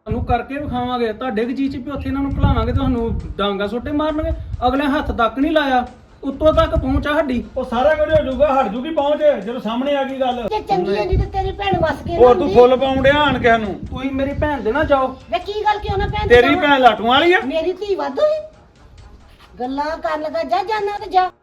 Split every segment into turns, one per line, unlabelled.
ਤੁਹਾਨੂੰ ਕਰਕੇ ਵਿਖਾਵਾਂਗੇ ਤੁਹਾਡੇ ਜੀ ਚ ਵੀ ਉੱਥੇ ਇਹਨਾਂ ਨੂੰ ਭੁਲਾਵਾਂਗੇ ਤੁਹਾਨੂੰ ਡਾਂਗਾ ਸੋਟੇ ਮਾਰਨਗੇ। ਅਗਲੇ ਹੱਥ ਤੱਕ ਨਹੀਂ ਲਾਇਆ, ਉੱਤੋਂ ਤੱਕ ਪਹੁੰਚਾ ਸਾਡੀ।
ਉਹ ਸਾਰਾ ਕੁਝ ਹੋ ਜਾਊਗਾ, ਹਟ ਜੂਗੀ ਪਹੁੰਚ ਜਦੋਂ ਸਾਹਮਣੇ ਆ ਗਈ ਗੱਲ।
ਜੇ ਚੰਗੀ ਹੁੰਦੀ ਤੇ ਤੇਰੀ ਭੈਣ ਵਸ ਕੇ
ਹੋਰ ਤੂੰ ਫੁੱਲ ਪਾਉਣ ਡਿਆ ਆਣ ਕਿਸੇ ਨੂੰ।
ਤੁਸੀਂ ਮੇਰੀ ਭੈਣ ਦੇ ਨਾ ਜਾਓ।
ਵੇ ਕੀ ਗੱਲ ਕਿਉਂ ਨਾ ਭੈਣ
ਤੇਰੀ ਭੈਣ ਲਾਟੂਆਂ ਵਾਲੀ ਆ।
ਮੇਰੀ ਧੀ ਵਾਧੂ ਹੀ ਗੱਲਾਂ ਕਰਨ ਲੱਗਾ, ਜਾ ਜਾਣਾ ਤੇ ਜਾ।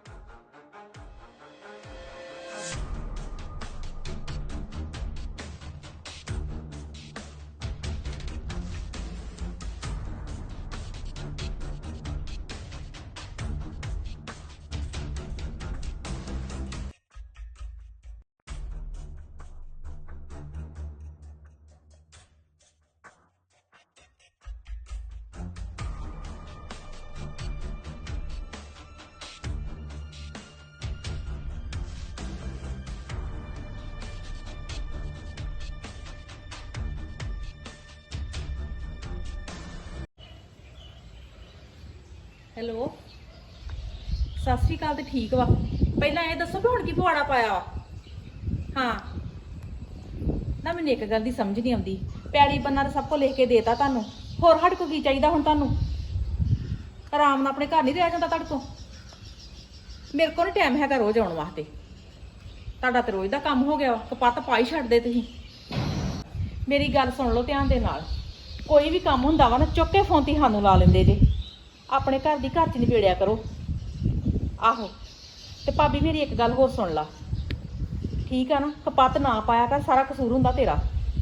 ਹੈਲੋ, ਸਤਿ ਸ਼੍ਰੀ ਅਕਾਲ। ਤੇ ਠੀਕ ਵਾ। ਪਹਿਲਾਂ ਇਹ ਦੱਸੋ ਵੀ ਹੁਣ ਕੀ ਪਵਾੜਾ ਪਾਇਆ ਵਾ? ਹਾਂ ਨਾ, ਮੈਨੂੰ ਇੱਕ ਗੱਲ ਦੀ ਸਮਝ ਨਹੀਂ ਆਉਂਦੀ। ਪੈੜੀ ਬੰਨਾ ਤਾਂ ਸਭ ਕੋ ਲਿਖ ਕੇ ਦੇਤਾ ਤੁਹਾਨੂੰ, ਹੋਰ ਸਾਡੇ ਕੋ ਕੀ ਚਾਹੀਦਾ ਹੁਣ? ਤੁਹਾਨੂੰ ਆਰਾਮ ਨਾਲ ਆਪਣੇ ਘਰ ਨਹੀਂ ਰਹਿ ਜਾਂਦਾ ਤੁਹਾਡੇ ਤੋਂ? ਮੇਰੇ ਕੋਲ ਨਹੀਂ ਟਾਈਮ ਹੈਗਾ ਰੋਜ਼ ਆਉਣ ਵਾਸਤੇ। ਤੁਹਾਡਾ ਤੇ ਰੋਜ਼ ਦਾ ਕੰਮ ਹੋ ਗਿਆ ਵਾ, ਕਪੱਤ ਪਾ ਹੀ ਛੱਡਦੇ ਤੁਸੀਂ। ਮੇਰੀ ਗੱਲ ਸੁਣ ਲਓ ਧਿਆਨ ਦੇ ਨਾਲ। ਕੋਈ ਵੀ ਕੰਮ ਹੁੰਦਾ ਵਾ ਨਾ, ਚੁੱਕ ਕੇ ਫੋਨ ਤੇ ਸਾਨੂੰ ਲਾ ਲੈਂਦੇ ਜੇ। ਆਪਣੇ ਘਰ ਦੀ ਘਰ 'ਚ ਨਿਬੇੜਿਆ ਕਰੋ। ਆਹੋ, ਤੇ ਭਾਬੀ ਮੇਰੀ ਇੱਕ ਗੱਲ ਹੋਰ ਸੁਣ ਲਾ, ਠੀਕ ਆ ਨਾ? ਕਪੱਤ ਨਾ ਪਾਇਆ ਕਰ, ਸਾਰਾ ਕਸੂਰ ਹੁੰਦਾ ਤੇਰਾ।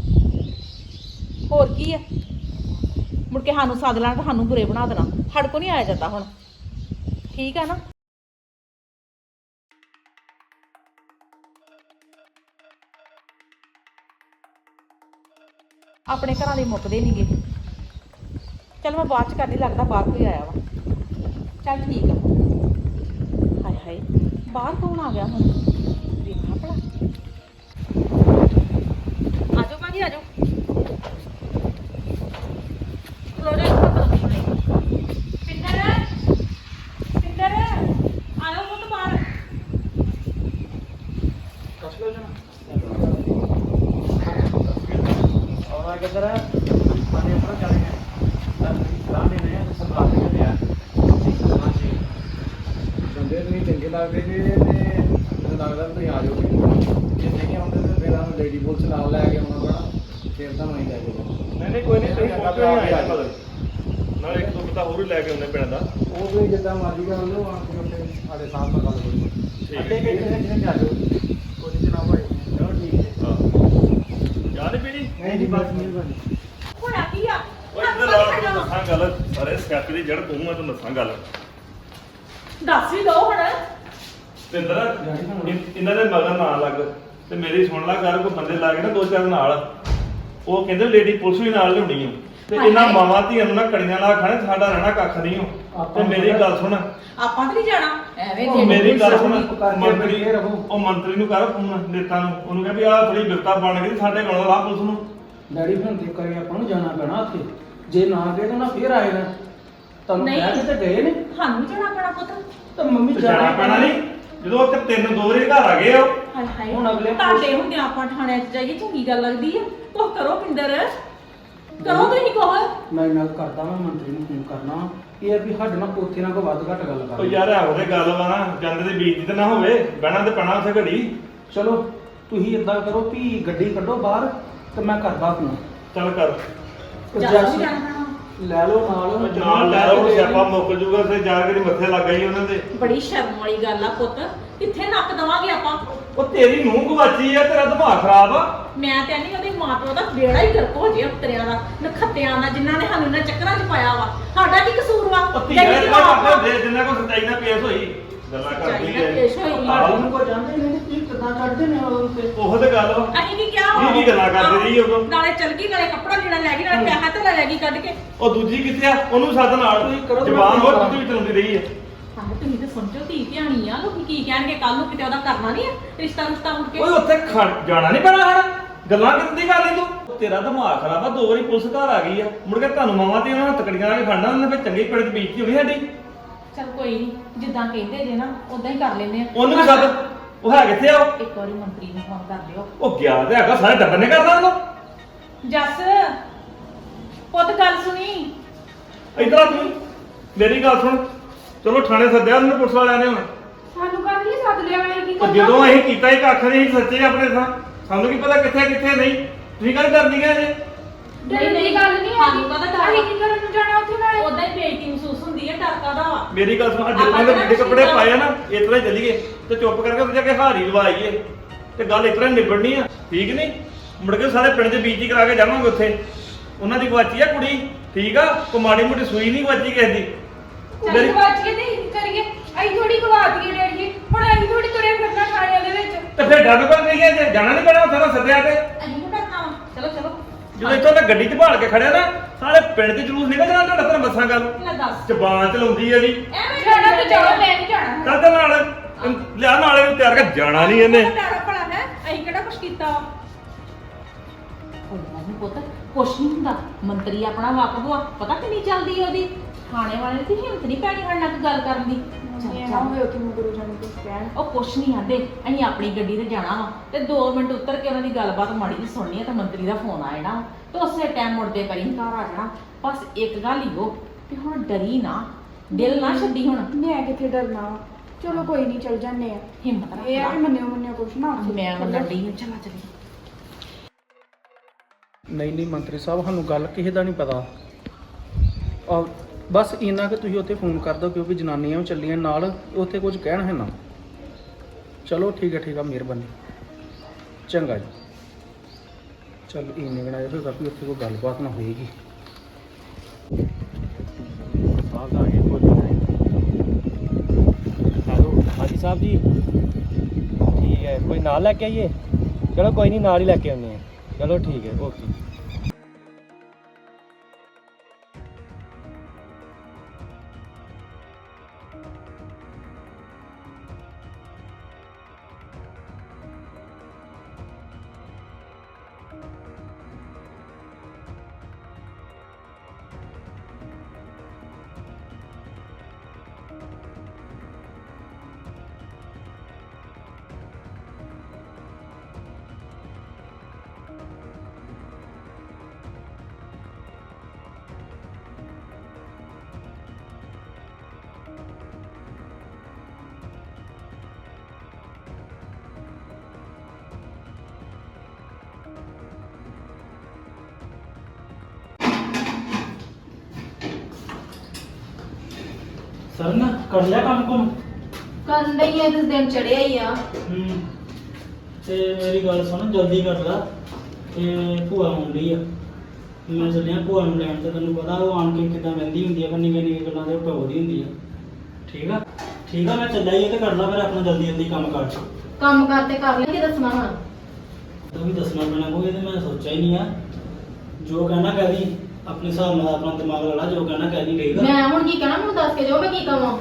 ਹੋਰ ਕੀ ਆ? ਮੁੜ ਕੇ ਸਾਨੂੰ ਸੱਦ ਲੈਣਾ ਤੇ ਸਾਨੂੰ ਬੁਰੇ ਬਣਾ ਦੇਣਾ। ਸਾਡੇ ਕੋ ਨਹੀਂ ਆਇਆ ਜਾਂਦਾ ਹੁਣ, ਠੀਕ ਆ ਨਾ? ਆਪਣੇ ਘਰਾਂ ਦੇ ਮੁੱਕਦੇ ਨਹੀਂਗੇ। ਚੱਲ ਮੈਂ ਬਾਅਦ ਚ ਕਰਦੀ, ਲੱਗਦਾ ਬਾਹਰ ਕੋਈ ਆਇਆ ਵਾ। ਚੱਲ ਠੀਕ ਆ। ਹਾਏ ਹਾਏ, ਬਾਹਰ ਕੌਣ ਆ ਗਿਆ ਹੁਣ? ਵੇਖਾਂ ਭਲਾ। ਆਜੋ ਭਾਜੀ ਆਜੋ। ਖਲੋ ਜਾ ਇੱਥੇ। ਪਿੰਦਰ ਪਿੰਦਰ ਆਇਓ ਪੁੱਤ ਬਾਹਰ।
ਕੱਸ ਲਓ ਜਣਾ।
ਆਉਣਾ ਕਿੱਧਰ ਆ? ਪਾਣੀ ਆਪਣਾ ਚੱਲ ਗਿਆ। ਰਾਣੇ ਨੇ ਸਪਲਾਈ ਕਰਿਆ। ਹਾਂਜੀ, ਬੰਦੇ ਨਹੀਂ ਚੰਗੇ ਲੱਗਦੇ ਨੇ ਤੇ ਮੈਨੂੰ ਲੱਗਦਾ ਤੁਸੀਂ ਆ ਜਾਓਗੇ। ਜੇ ਨਹੀਂ ਆਉਂਦੇ ਤਾਂ ਫਿਰ ਆਹ ਲੇਡੀ ਪੁਲਿਸ ਨਾਲ ਲੈ ਕੇ ਆਉਣਾ ਪੈਣਾ, ਫਿਰ ਤਾਂ ਨਹੀਂ ਲੈ ਜਾਊਗਾ। ਨਹੀਂ ਕੋਈ ਨਹੀਂ, ਤੁਸੀਂ ਪਹੁੰਚੋ ਨਹੀਂ ਆਇਆ
ਨਾਲ ਇੱਕ ਦੋ ਪਤਾ ਹੋਰ ਹੀ ਲੈ ਕੇ ਆਉਂਦੇ ਪਿੰਡ ਦਾ।
ਉਹ ਵੀ ਜਿੱਦਾਂ ਮਰਜ਼ੀ ਕਰ ਲਓ, ਆਣ ਕੇ ਉੱਥੇ ਸਾਡੇ ਸਾਹਮਣੇ ਗੱਲ ਕਰੋ।
ਠੀਕ
ਅੱਡੇ ਕੇ ਕਿਹਨੇ ਆ ਜਾਓ। ਕੋਈ ਨਹੀਂ ਜਨਾਬ ਭਾਈ। ਚਲੋ ਠੀਕ ਹੈ।
ਹਾਂ, ਚਾਹ ਨਹੀਂ ਪੀਣੀ?
ਨਹੀਂ ਜੀ, ਬਸ ਮਿਹਰਬਾਨੀ।
ਹੋਇਆ ਕੀ ਆ?
ਓਏ ਇੱਧਰ ਲਾ ਕੇ ਦੱਸਾਂ ਗੱਲ। ਸਾਰੇ ਸਕੈਪੀ ਦੀ ਜੜ ਤੂੰ, ਮੈਂ ਤੈਨੂੰ ਦੱਸਾਂ ਗੱਲ।
ਦੱਸ ਵੀ ਦੋ ਹੁਣ।
ਤੇ ਇੰਦਰ ਇਹਨਾਂ ਦੇ ਮਗਰ ਨਾ ਲੱਗ ਤੇ ਮੇਰੀ ਸੁਣ ਲੈ ਗੱਲ। ਕੋਈ ਬੰਦੇ ਲਾ ਕੇ ਨਾ ਦੋ ਚਾਰ ਨਾਲ, ਉਹ ਕਹਿੰਦੇ ਲੇਡੀ ਪੁਲਿਸ ਵੀ ਨਾਲ ਲਿਆਉਣੀ ਓ। ਤੇ ਇਹਨਾਂ ਮਾਵਾਂ ਧੀਆਂ ਨੂੰ ਨਾ ਕੜੀਆਂ ਲਾ ਖਾਣੇ, ਸਾਡਾ ਰਹਿਣਾ ਕੱਖ ਨਹੀਂ ਓ। ਤੇ ਮੇਰੀ ਗੱਲ ਸੁਣ,
ਆਪਾਂ ਤੇ ਨਹੀਂ ਜਾਣਾ ਐਵੇਂ
ਉਹ
ਦੇ।
ਮੇਰੀ ਗੱਲ ਸੁਣ,
ਮੰਤਰੀ
ਉਹ ਮੰਤਰੀ ਨੂੰ ਕਰ ਫੋਨ, ਨੇਤਾ ਨੂੰ। ਉਹਨੂੰ ਕਹਿ ਵੀ ਆਹ ਥੋੜੀ ਬਿਪਤਾ ਬਣ ਗਈ ਸਾਡੇ ਕੋਲ, ਲਾ ਪੁਲਿਸ ਨੂੰ।
ਡੈਡੀ ਹੁਣ ਤੇ ਕਰੇ ਆਪਾਂ ਨੂੰ ਜਾਣਾ ਪੈਣਾ ਉੱਥੇ। ਜੇ ਨਾ ਗਏ ਤਾਂ ਨਾ ਫੇਰ ਆਏਗਾ। ਤੁਹਾਨੂੰ
ਨਹੀਂ।
ਕਹਿ ਕੇ ਤੇ ਗਏ ਨੇ।
ਸਾਨੂੰ ਜਾਣਾ ਪੈਣਾ ਪੁੱਤ।
ਤਾਂ ਮੰਮੀ
ਜਾਣਾ ਪੈਣਾ ਨਹੀਂ, ਜਦੋਂ ਉੱਥੇ ਤਿੰਨ ਦੋ ਵਾਰੀ ਘਰ ਆ ਗਏ ਆ।
ਹਾਏ ਹਾਏ,
ਹੁਣ ਅਗਲੇ
ਤੁਹਾਡੇ ਹੁੰਦੇ ਆਪਾਂ ਥਾਣਿਆਂ 'ਚ ਜਾਈਏ, ਚੰਗੀ ਗੱਲ ਲੱਗਦੀ ਆ? ਕੁਛ ਕਰੋ ਪਿੰਦਰ, ਕਰੋ ਤੁਸੀਂ ਕੁਛ।
ਮੈਂ ਨਾਲ ਕਰਦਾ, ਮੈਂ ਮੰਤਰੀ ਨੂੰ ਫੋਨ ਕਰਨਾ। ਇਹ ਆ ਵੀ ਸਾਡੇ ਨਾਲ ਉੱਥੇ ਨਾ ਕੋਈ ਵੱਧ ਘੱਟ ਗੱਲ
ਉਹ
ਕਰ।
ਯਾਰ ਇਹੋ ਜਿਹੀ ਗੱਲ ਵਾ ਨਾ, ਜਾਂਦੇ ਦੇ ਬੀਜਦੀ ਤੇ ਨਾ ਹੋਵੇ, ਬਹਿਣਾ ਤੇ ਪੈਣਾ ਉੱਥੇ ਘੜੀ।
ਚਲੋ ਤੁਸੀਂ ਇਦਾਂ ਕਰੋ ਵੀ ਗੱਡੀ ਕੱਢੋ ਬਾਹਰ ਤੇ ਮੈਂ ਕਰਦਾ ਫੋਨ।
ਚੱਲ ਕਰ।
ਜਾਣਾ ਵੀ ਜਾਣਾ ਪੈਣਾ।
ਲੈ ਲਓ ਨਾਲ।
ਨਾਲ ਲੈ ਲਓ, ਸਿਆਪਾ ਮੁੱਕ ਜੂਗਾ ਤੇ ਜਾ ਕੇ ਮੱਥੇ ਲੱਗ ਗਈ ਉਹਨਾਂ ਦੇ।
ਬੜੀ ਸ਼ਰਮ ਵਾਲੀ ਗੱਲ ਆ ਪੁੱਤ, ਕਿੱਥੇ ਨੱਕ ਦਵਾਂਗੇ ਆਪਾਂ?
ਉਹ ਤੇਰੀ ਨੂੰਹ ਗਵਾਚੀ ਆ, ਤੇਰਾ ਦਿਮਾਗ ਖਰਾਬ ਆ।
ਮੈਂ ਤੇ ਨਹੀਂ, ਉਹਦੇ ਮਾਂ ਪਿਓ ਦਾ ਬੇੜਾ ਹੀ ਗਰਕ ਹੋ ਜੇ ਉਤਰਿਆਂ ਦਾ, ਨਖੱਤਿਆਂ ਦਾ, ਜਿਨ੍ਹਾਂ ਨੇ ਸਾਨੂੰ ਇਹਨਾਂ ਚੱਕਰਾਂ 'ਚ ਪਾਇਆ ਵਾ। ਸਾਡਾ ਕੀ ਕਸੂਰ ਵਾ?
ਉਹ ਧੀਆਂ
ਜਿਹੜੀ
ਇਦਾਂ
ਮਾਂ
ਕਰਦੇ ਹੁੰਦੇ ਜਿੰਨਾ ਕੋ ਸੱਚਾਈ ਨਾਲ ਪੇਸ਼ ਹੋਈ। ਗੱਲਾਂ ਕਰਦੀ
ਸੱਚਾਈ ਨਾਲ ਪੇਸ਼ ਹੋਈ।
ਤੁਹਾਡੇ ਨੂੰ ਕੋਈ ਜਾਂਦੇ ਨਹੀਂ ਕੀ ਕਿਦਾਂ ਚੜਦੇ ਨੇ ਉਹ ਤੇ।
ਉਹ ਤੇ ਗੱਲ ਵਾ।
ਅਸੀਂ ਕੀ ਕਿਹਾ?
ਇਹ ਵੀ ਗੱਲਾਂ ਕਰਦੇ ਰਹੀ ਉਦੋਂ।
ਨਾਲੇ ਚਲ ਗਈ, ਨਾਲੇ ਕੱਪੜਾ ਲੈਣਾ ਲੈ ਗਈ, ਨਾਲੇ ਪੈਸਾ ਤੇ ਲੈ ਗਈ ਕੱਢ ਕੇ।
ਉਹ ਦੂਜੀ ਕਿੱਥੇ ਆ? ਉਹਨੂੰ ਸੱਦ ਨਾਲ।
ਤੁਸੀਂ ਕਰੋ,
ਜ਼ਬਾਨ
ਮੈਂ
ਹੋਰ ਵੀ ਚਲਾਉਂਦੀ ਰਹੀ ਹੈ।
ਆਹ ਤੁਸੀਂ ਤੇ ਸਮਝੋ ਧੀ ਧਿਆਣੀ ਆ, ਲੋਕੀ ਕੀ ਕਹਿਣਗੇ ਕੱਲ ਨੂੰ? ਕਿਤੇ ਉਹਦਾ ਕਰਨਾ ਨਹੀਂ ਹੈ ਰਿਸ਼ਤਾ ਮੁੜ ਕੇ।
ਓਏ ਉੱਥੇ ਜਾਣਾ ਨਹੀਂ ਪੈਣਾ ਹਣਾ। ਗੱਲਾਂ ਕਿੱਦਾਂ ਦੀ ਕਰ ਲਈ ਤੂੰ? ਤੇਰਾ ਦਿਮਾਗ ਖਰਾਬ ਆ। ਦੋ ਵਾਰੀ ਪੁਲਿਸ ਘਰ ਆ ਗਈ ਆ, ਮੁੜ ਕੇ ਤੁਹਾਨੂੰ ਮਾਵਾਂ ਤੇ ਉਹਨਾਂ ਨੂੰ ਤਕੜੀਆਂ ਲਾ ਕੇ ਖੜਨਾ। ਉਹਨੇ ਫਿਰ ਚੰਗੀ ਪਿੰਡ 'ਚ ਬੀਜਤੀ ਹੋਣੀ ਸਾਡੀ।
ਚਲ ਕੋਈ ਨਹੀਂ, ਜਿੱਦਾਂ ਕਹਿੰਦੇ ਜੇ ਨਾ ਉਦਾਂ ਹੀ ਕਰ ਲੈਂਦੇ ਆ।
ਉਹਨੂੰ ਵੀ ਸੱਦ। ਉਹ ਹੈ ਕਿੱਥੇ ਆ ਉਹ?
ਇੱਕ ਵਾਰੀ ਮੰਤਰੀ ਨੂੰ ਫੋਨ ਕਰ ਲਿਓ।
ਉਹ ਗਿਆ ਤੇ ਹੈਗਾ, ਸਾਰੇ ਟੱਬਰ ਨੇ ਕਰਨਾ ਉਹਨੂੰ।
ਜੱਸ ਪੁੱਤ ਗੱਲ ਸੁਣੀ।
ਇੱਧਰ ਆ ਤੂੰ, ਮੇਰੀ ਗੱਲ ਸੁਣ। ਚਲੋ ਥਾਣੇ ਸੱਦਿਆ ਉਹਨੂੰ ਪੁਲਿਸ ਵਾਲਿਆਂ ਨੇ ਹੁਣ।
ਸਾਨੂੰ ਕੱਲ ਹੀ ਸੱਦ ਲਿਆ ਮੈਂ ਕੀ
ਤੇ
ਕਰਨਾ?
ਜਦੋਂ ਅਸੀਂ ਕੀਤਾ ਹੀ ਕੱਖ ਨਹੀਂ ਸੱਚੇ ਆਪਣੇ ਥਾਂ, ਸਾਨੂੰ ਕੀ ਪਤਾ ਕਿੱਥੇ ਕਿੱਥੇ ਨਹੀਂ। ਤੁਸੀਂ ਕੱਲ ਡਰਦੀ ਗਏ ਜੇ।
ਡਰਨ ਦੀ ਗੱਲ ਨਹੀਂ
ਸਾਨੂੰ ਪਤਾ ਡਰ
ਅਸੀਂ ਕੀ ਕਰਨ ਨੂੰ ਜਾਣਾ ਉੱਥੇ ਨਾਲੇ?
ਉਦਾਂ ਹੀ ਬੇਇੱਜ਼ਤੀ ਮਹਿਸੂਸ ਹੁੰਦੀ ਹੈ, ਡਰ ਕਾਹਦਾ ਵਾ?
ਮੇਰੀ ਗੱਲ ਸੁਣ, ਜਦੋਂ ਮੈਂ ਜਿਹੜੇ ਕੱਪੜੇ ਪਾਏ ਆ ਨਾ ਇਸ ਤਰ੍ਹਾਂ ਹੀ ਚੱਲੀਏ ਤੇ ਚੁੱਪ ਕਰਕੇ ਉੱਥੇ ਜਾ ਕੇ ਹਾਰੀ ਲਵਾਈਏ ਤੇ ਗੱਲ ਇਸ ਤਰ੍ਹਾਂ ਹੀ ਨਿਬੜਨੀ ਆ, ਠੀਕ ਨਹੀਂ? ਮੁੜ ਕੇ ਸਾਰੇ ਪਿੰਡ 'ਚ ਬੇਇੱਜ਼ਤੀ ਕਰਾ ਕੇ ਜਾਵਾਂਗੇ ਉੱਥੇ। ਉਹਨਾਂ ਦੀ ਗਵਾਚੀ ਆ ਕੁੜੀ, ਠੀਕ ਆ? ਕੋ ਮਾੜੀ ਮੋਟੀ ਸੂਈ ਨਹੀਂ ਗਵਾਚੀ ਕਿਸੇ ਦੀ।
ਚੱਲ ਗਵਾਚ ਕੇ ਤੇ ਕੀ ਕਰੀਏ? ਅਸੀਂ ਥੋੜੀ ਗਵਾ ਦਈਏ ਡੈਡੀ, ਹੁਣ ਅਸੀਂ ਥੋੜੀ ਤੁਰੇ ਫਿਰਨਾ ਥਾਣਿਆਂ ਦੇ ਵਿੱਚ।
ਤੇ ਫਿਰ ਡਰ ਕਰ ਨਹੀਂ ਗਿਆ ਜੇ ਜਾਣਾ ਨਹੀਂ ਪੈਣਾ ਉੱਥੇ ਤਾਂ ਸੱਦਿਆ ਤੇ।
ਅਸੀਂ ਨੂੰ ਡਰਨਾ ਵਾ। ਚਲੋ ਚਲੋ
ਜਦੋਂ ਇੱਥੋਂ ਮੈਂ ਗੱਡੀ 'ਚ ਭਾਲ ਕੇ ਖੜਿਆ ਨਾ, ਸਾਰੇ ਪਿੰਡ 'ਚ ਜਲੂਸ ਨਿਕਲ ਜਾਣਾ ਤੁਹਾਡਾ। ਤੁਹਾਨੂੰ ਬੱਸਾਂ ਗੱਲ
ਲੈ ਦੱਸ
ਜ਼ਬਾਨ ਚਲਾਉਂਦੀ ਆ ਜੀ।
ਐਵੇਂ
ਜਾਣਾ ਤੇ ਜਾਓ, ਮੈਂ ਨਹੀਂ ਜਾਣਾ।
ਚੱਲ ਤੇ ਨਾਲ ਲਿਆ ਨਾਲੇ ਨੂੰ ਤਿਆਰ ਕਰ, ਜਾਣਾ ਨਹੀਂ ਇਹਨੇ।
ਡਰ ਭਲਾ ਹੈ, ਅਸੀਂ ਕਿਹੜਾ ਕੁਛ ਕੀਤਾ ਵਾ? ਕੋਈ ਗੱਲ ਨਹੀਂ ਪੁੱਤ, ਕੁਛ ਨਹੀਂ ਹੁੰਦਾ। ਮੰਤਰੀ ਆਪਣਾ ਵਾਕਫ ਵਾ, ਪਤਾ ਕਿੰਨੀ ਚੱਲਦੀ ਹੈ ਉਹਦੀ। ਥਾਣੇ ਵਾਲੇ ਦੀ ਹਿੰਮਤ ਨਹੀਂ ਪੈਣੀ ਸਾਡੇ ਨਾਲ ਕੋਈ ਗੱਲ ਕਰਨ ਦੀ। ਚੱਲ,
ਇਹ
ਚੱਲ।
ਨਾ ਹੋਏ ਕਿ ਮਗਰੋਂ ਜਾਣੇ ਕੁਝ ਕਹਿਣ।
ਉਹ ਕੁਛ ਨਹੀਂ ਆਂਦੇ, ਅਸੀਂ ਆਪਣੀ ਗੱਡੀ ਤੇ ਜਾਣਾ ਵਾ ਤੇ 2 ਮਿੰਟ ਉੱਤਰ ਕੇ ਉਹਨਾਂ ਦੀ ਗੱਲਬਾਤ ਮਾੜੀ ਜਿਹੀ ਸੁਣਨੀ ਹੈ ਤੇ ਮੰਤਰੀ ਦਾ ਫੋਨ ਆ ਜਾਣਾ ਤੇ ਉਸੇ ਟਾਈਮ ਮੁੜਦੇ ਕਰੀ ਘਰ ਆ ਜਾਣਾ। ਬਸ ਇੱਕ ਗੱਲ ਹੀ ਉਹ ਕਿ ਹੁਣ ਡਰੀ ਨਾ, ਦਿਲ ਨਾ ਛੱਡੀ ਹੁਣ।
ਮੈਂ ਕਿੱਥੇ ਡਰਨਾ ਵਾ? ਚਲੋ ਕੋਈ ਨਹੀਂ, ਚੱਲ ਜਾਂਦੇ ਆ।
ਹਿੰਮਤ ਰੱਖ
ਇਹ ਆ
ਲਾ।
ਕਿ ਮੰਨਿਓ ਕੁਛ ਨਾ ਹੋਵੇ।
ਮੈਂ ਮੰਨਣ ਡਈ ਹਾਂ, ਚਲਾ ਚਲੀ।
ਨਹੀਂ ਮੰਤਰੀ ਸਾਹਿਬ, ਸਾਨੂੰ ਗੱਲ ਕਿਸੇ ਦਾ ਨਹੀਂ ਪਤਾ। ਬਸ ਇੰਨਾ ਕਿ ਤੁਸੀਂ ਉੱਥੇ ਫੋਨ ਕਰ ਦਿਓ, ਕਿਉਂਕਿ ਜਨਾਨੀਆਂ ਵੀ ਚੱਲੀਆਂ ਨਾਲ, ਉੱਥੇ ਕੁਝ ਕਹਿਣ ਹੈ ਨਾ। ਚਲੋ ਠੀਕ ਹੈ, ਮਿਹਰਬਾਨੀ, ਚੰਗਾ ਜੀ। ਚੱਲ ਇੰਨੇ ਗਣਾ ਹੋਏਗਾ ਵੀ ਉੱਥੇ ਕੋਈ ਗੱਲਬਾਤ ਨਾ ਹੋਏਗੀ।
ਸਾਹਿਬ ਆ ਗਏ ਹੈਲੋ, ਹਾਂਜੀ ਸਾਹਿਬ ਜੀ, ਠੀਕ ਹੈ। ਕੋਈ ਨਾਲ ਲੈ ਕੇ ਆਈਏ? ਚਲੋ ਕੋਈ ਨਹੀਂ, ਨਾਲ ਹੀ ਲੈ ਕੇ ਆਉਂਦੇ ਆ। ਚਲੋ ਠੀਕ ਹੈ, ਓਕੇ।
ਸਰ ਨਾ ਕਰ ਲਿਆ ਕੰਮ
ਕਰਨ ਲਈ ਇਹ ਦਿਨ ਚੜਿਆ ਹੀ ਆ।
ਤੇ ਮੇਰੀ ਗੱਲ ਸੁਣ, ਜਲਦੀ ਕਰ ਲਾ। ਤੇ ਭੂਆ ਆਉਂਦੀ ਆ, ਮੈਂ ਚੱਲਿਆ ਭੂਆ ਨੂੰ ਲੈਣ। ਤੇ ਤੈਨੂੰ ਪਤਾ ਉਹ ਆਣ ਕੇ ਕਿੱਦਾਂ ਬਹਿੰਦੀ ਹੁੰਦੀ ਆ, ਪਰ ਨਿੱਕੀਆਂ ਗੱਲਾਂ ਤੇ ਟੋਕਦੀ ਹੁੰਦੀ ਆ। ਠੀਕ ਆ, ਮੈਂ ਚੱਲਿਆ ਹੀ ਆ। ਤੇ ਕਰ ਲਾ ਫਿਰ ਆਪਣਾ ਜਲਦੀ ਕੰਮ ਕਰ।
ਕੰਮ ਕਰਤੇ ਕਰ ਲਈ, ਕੀ ਦੱਸਣਾ ਹੁਣ?
ਤਾਂ ਵੀ ਦੱਸਣਾ ਪੈਣਾ ਕੋਈ, ਤੇ ਮੈਂ ਸੋਚਿਆ ਹੀ ਨਹੀਂ ਆ। ਜੋ ਕਹਿਣਾ ਕਹਿ ਦੀ, ਆਪਣੇ ਹਿਸਾਬ ਨਾਲ ਆਪਣਾ ਦਿਮਾਗ ਲਾ ਲਾ, ਜੋ ਕਹਿਣਾ ਕਹਿ ਦੀ। ਠੀਕ ਆ,
ਮੈਂ ਹੁਣ ਕੀ ਕਹਿਣਾ, ਮੈਨੂੰ ਦੱਸ ਕੇ ਜਾਓ, ਮੈਂ ਕੀ ਕਹਾਂ?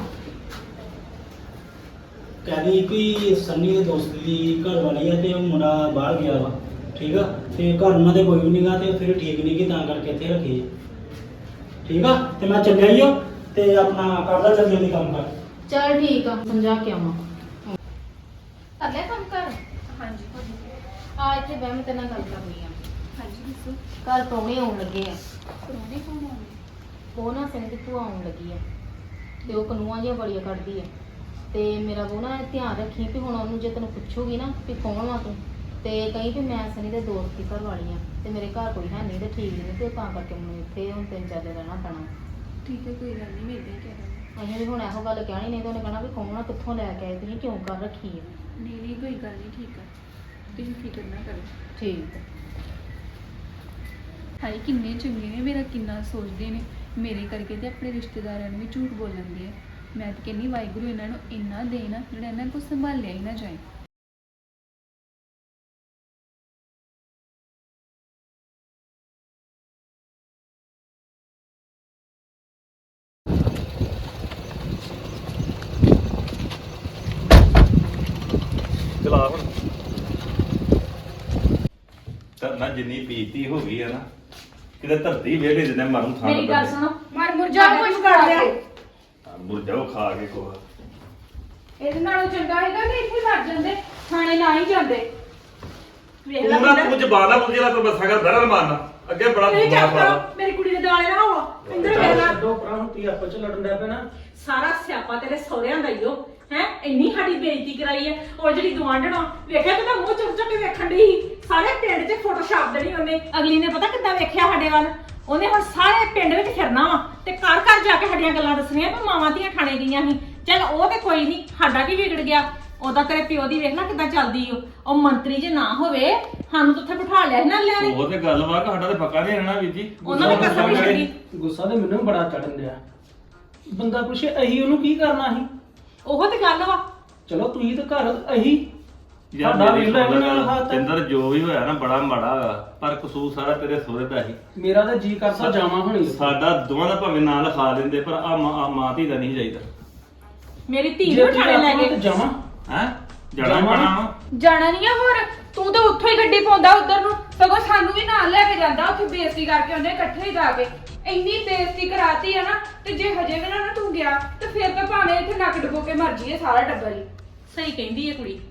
ਕਹਿੰਦੀ ਕੋਈ ਸੰਨੀ ਦੇ ਦੋਸਤ ਦੀ ਘਰ ਵਾਲੀ ਆ ਤੇ ਉਹ ਮੁੰਡਾ ਬਾਹਰ ਗਿਆ ਵਾ। ਠੀਕ ਆ, ਤੇ ਘਰ ਉਹਨਾਂ ਦੇ ਕੋਈ ਵੀ ਨਹੀਂਗਾ ਤੇ ਫਿਰ ਠੀਕ ਨਹੀਂ ਕਿ ਤਾਂ ਕਰਕੇ ਇੱਥੇ ਰੱਖੀ। ਠੀਕ ਆ, ਤੇ ਮੈਂ ਚੱਲਿਆ ਹੀ ਆ। ਤੇ ਆਪਣਾ ਕਰਦਾ ਜਲਦੀ ਕੰਮ ਕਰ।
ਚੱਲ ਠੀਕ ਆ, ਸਮਝਾ ਕੇ ਆਵਾਂ। ਕਰ ਲਿਆ ਕੰਮ ਕਰ?
ਹਾਂਜੀ
ਆ ਇੱਥੇ ਬਹਿ, ਮੈਂ ਤੇਰੇ ਨਾਲ ਗੱਲ ਕਰਨੀ ਆ।
ਹਾਂਜੀ ਦੱਸੋ।
ਘਰ ਪ੍ਰਾਹੁਣੇ ਆਉਣ ਲੱਗੇ ਆ।
ਪਰੋਣੇ ਕੌਣ ਆਉਂਦੇ?
ਉਹ ਨਾ ਸਿੰਘ ਦੀ ਭੂਆ ਆਉਣ ਲੱਗੀ ਆ ਤੇ ਉਹ ਕਨੂਆਂ ਜਿਹੀਆਂ ਬੜੀਆਂ ਕੱਢਦੀ ਆ। ਤੇ ਮੇਰਾ ਉਹ ਨਾ ਧਿਆਨ ਰੱਖੀ ਵੀ ਹੁਣ ਉਹਨੂੰ ਜੇ ਤੈਨੂੰ ਪੁੱਛੂਗੀ ਨਾ ਵੀ ਕੌਣ ਵਾ ਤੂੰ, ਤੇ ਕਹੀਂ ਵੀ ਮੈਂ ਸਨੀ ਦੇ ਦੋਸਤ ਦੀ ਘਰ ਵਾਲੀ ਆ ਤੇ ਮੇਰੇ ਘਰ ਕੋਈ ਹੈ ਨਹੀਂ ਤੇ ਠੀਕ ਨਹੀਂ, ਤੇ ਤਾਂ ਕਰਕੇ ਮੈਨੂੰ ਇੱਥੇ ਹੁਣ 3-4 ਦਿਨ ਰਹਿਣਾ ਪੈਣਾ।
ਠੀਕ ਹੈ, ਕੋਈ ਗੱਲ ਨਹੀਂ, ਮੈਂ ਇਦਾਂ ਹੀ ਕਹਿ ਦਾਂਗੀ।
ਅਸੀਂ ਵੀ ਹੁਣ ਇਹੋ ਗੱਲ ਕਹਿਣੀ, ਨਹੀਂ ਤਾਂ ਉਹਨੇ ਕਹਿਣਾ ਵੀ ਕੌਣ ਆ, ਕਿੱਥੋਂ ਲੈ ਕੇ ਆਏ ਤੁਸੀਂ, ਕਿਉਂ ਕਰ ਰੱਖੀ ਆ।
ਨਹੀਂ ਕੋਈ ਗੱਲ ਨਹੀਂ, ਠੀਕ ਆ, ਤੁਸੀਂ ਫਿਕਰ ਨਾ ਕਰੋ।
ਠੀਕ ਆ।
ਹਾਏ ਕਿੰਨੇ ਚੰਗੇ ਨੇ, ਮੇਰਾ ਕਿੰਨਾ ਸੋਚਦੇ ਨੇ। ਮੇਰੇ ਕਰਕੇ ਤੇ ਆਪਣੇ ਰਿਸ਼ਤੇਦਾਰਾਂ ਨੂੰ ਵੀ ਝੂਠ ਬੋਲਣਦੇ ਆ। ਮੈਂ ਤਾਂ ਕਹਿੰਦੀ ਵਾਹਿਗੁਰੂ ਇਹਨਾਂ ਨੂੰ ਇੰਨਾ ਦੇਣਾ ਜਿਹੜਾ ਇਹਨਾਂ ਕੋਲ ਸੰਭਾਲਿਆ ਹੀ ਨਾ ਜਾਏ।
ਚਲਾ ਹੁਣ ਧਰਨਾ ਜਿੰਨੀ ਪੀਤੀ ਹੋ ਗਈ ਹੈ ਨਾ, ਕਿਤੇ ਧਰਤੀ ਵੇਲੇ ਜਿੰਨੇ ਮਰਨ ਥਾਂ
ਮੇਰੀ ਗੱਲ ਸੁਣੋ,
ਮਰ ਮੁਰ ਜਾ ਕੁਝ ਕਰ ਲਿਆ।
ਮੁਰਜਾਓ ਖਾ ਕੇ ਕੋਹ।
ਇਹਦੇ ਨਾਲੋਂ ਚੰਗਾ ਹੈਗਾ ਕਿ ਇੱਥੇ ਮਰ ਜਾਂਦੇ, ਥਾਣੇ ਨਾ ਹੀ ਜਾਂਦੇ।
ਵੇਖ ਲੈ
ਤੂੰ ਨਾ
ਪਿੰਦਰ,
ਤੂੰ ਜ਼ਬਾਨ ਨਾ ਬੁੱਝ ਜਿਹੜਾ ਤੂੰ ਬੱਸਾਂ ਕਰ ਬਹਿਰ ਮਾਰਨਾ ਅੱਗੇ ਬੜਾ
ਤੁਸੀਂ
ਬਿਮਾਰ
ਚੁੱਪ
ਪਾ
ਕਰੋ, ਮੇਰੀ ਕੁੜੀ ਦੇ ਦੁਆਲੇ ਨਾ ਹੋਵੋ। ਪਿੰਦਰ ਵੇਖ ਲੈ,
ਛੱਡੋ ਪਰਾਂ ਨੂੰ ਤੀ ਆਪਸ ਚ ਲੜਨ ਲੱਗ ਪੈਣਾ।
ਸਾਰਾ ਸਿਆਪਾ ਤੇਰੇ ਸਹੁਰਿਆਂ ਦਾ ਹੀ ਓ ਹੈ। ਇੰਨੀ ਸਾਡੀ ਬੇਇੱਜ਼ਤੀ ਕਰਾਈ ਹੈ। ਉਹ ਜਿਹੜੀ ਗਵਾਂਢਣਾ ਵੇਖਿਆ ਕਿਦਾਂ ਮੂੰਹ ਚੁੱਕ ਚੁੱਕ ਕੇ ਵੇਖਣ ਦੀ ਸੀ। ਸਾਰੇ ਪਿੰਡ 'ਚ ਫੋਟੋ ਛਾਪ ਦੇਣੀ ਉਹਨੇ। ਅਗਲੀ ਨੇ ਪਤਾ ਕਿੱਦਾਂ ਵੇਖਿਆ ਸਾਡੇ ਵੱਲ। ਉਹਨੇ ਹੁਣ ਸਾਰੇ ਪਿੰਡ ਵਿੱਚ ਫਿਰਨਾ ਵਾ ਤੇ ਘਰ ਘਰ ਜਾ ਕੇ ਸਾਡੀਆਂ ਗੱਲਾਂ ਦੱਸਣੀਆਂ ਵੀ ਮਾਵਾਂ ਧੀਆਂ ਖਾਣੇ ਗਈਆਂ ਸੀ। ਚੱਲ ਉਹ ਤੇ ਕੋਈ ਨਹੀਂ, ਸਾਡਾ ਕੀ ਵਿਗੜ ਗਿਆ। ਉਹਦਾ ਤੇਰੇ ਪਿਓ ਦੀ ਵੇਖ ਨਾ ਕਿੱਦਾਂ ਚੱਲਦੀ ਉਹ ਮੰਤਰੀ ਜੇ ਨਾ ਹੋਵੇ ਸਾਨੂੰ ਤਾਂ ਉੱਥੇ ਬਿਠਾ ਲਿਆ ਸੀ ਨਾ ਲਿਆ ਨੇ।
ਉਹ ਤੇ ਗੱਲ ਵਾ ਕਿ ਸਾਡਾ ਤੇ ਪੱਕਾ ਨਹੀਂ ਰਹਿਣਾ ਵੀਰ ਜੀ।
ਉਹਨਾਂ ਨੇ ਕਸਮ ਨਹੀਂ ਛੱਡੀ।
ਗੁੱਸਾ ਤੇ ਮੈਨੂੰ ਵੀ ਬੜਾ ਚੜਨ ਡਿਆ। ਬੰਦਾ ਪੁੱਛੇ ਅਹੀ ਉਹਨੂੰ ਕੀ ਕਰਨਾ ਸੀ?
ਉਹ ਤੇ ਗੱਲ ਵਾ।
ਚਲੋ ਤੁਸੀਂ ਤਾਂ ਘਰ ਅਹੀ
ਯਾਰ
ਸਾਡਾ
ਮੇਰੀ
ਵੇਖ ਲੈ
ਸੁਣ
ਨਾਲ
ਗੱਲ,
ਹੱਥ।
ਤਿੰਦਰ ਜੋ ਵੀ ਹੋਇਆ ਨਾ ਬੜਾ ਮਾੜਾ ਹੋਇਆ ਪਰ ਕਸੂਰ ਸਾਰਾ ਤੇਰੇ ਸਹੁਰੇ ਦਾ ਹੀ।
ਮੇਰਾ ਤਾਂ ਜੀ ਕਰਦਾ ਜਾਵਾਂ ਹੁਣੀ।
ਸਾਡਾ ਦੋਵਾਂ ਦਾ ਭਾਵੇਂ ਨਾਂ ਲਿਖਾ ਦਿੰਦੇ ਪਰ ਆ ਮਾਂ ਧੀ ਦਾ ਨਹੀਂ ਚਾਹੀਦਾ।
ਮੇਰੀ ਧੀ ਨੂੰ ਬਿਠਾਣੇ ਲੈ ਗਏ।
ਜਾਵਾਂ
ਹੈ ਜਾਣਾ ਹੀ ਪੈਣਾ ਵਾ।
ਜਾਣਾ ਨਹੀਂ ਆ ਹੋਰ, ਤੂੰ ਤਾਂ ਉੱਥੋਂ ਹੀ ਗੱਡੀ ਪਾਉਂਦਾ ਉਧਰ ਨੂੰ, ਸਗੋਂ ਸਾਨੂੰ ਵੀ ਨਾਲ ਲੈ ਕੇ ਜਾਂਦਾ। ਉੱਥੇ ਬੇਇੱਜ਼ਤੀ ਕਰਕੇ ਉਹਨੇ ਇਕੱਠੇ ਹੀ ਜਾ ਕੇ ਇੰਨੀ ਬੇਇੱਜ਼ਤੀ ਕਰਾਤੀ ਆ ਨਾ। ਤੇ ਜੇ ਹਜੇ ਵੀ ਨਾ ਤੂੰ ਗਿਆ ਤੇ ਫਿਰ ਤਾਂ ਭਾਵੇਂ ਇੱਥੇ ਨੱਕ ਡੁਬੋ ਕੇ ਮਰ ਜੀਏ ਸਾਰਾ ਟੱਬਰ ਹੀ।
ਸਹੀ ਕਹਿੰਦੀ ਹੈ ਕੁੜੀ।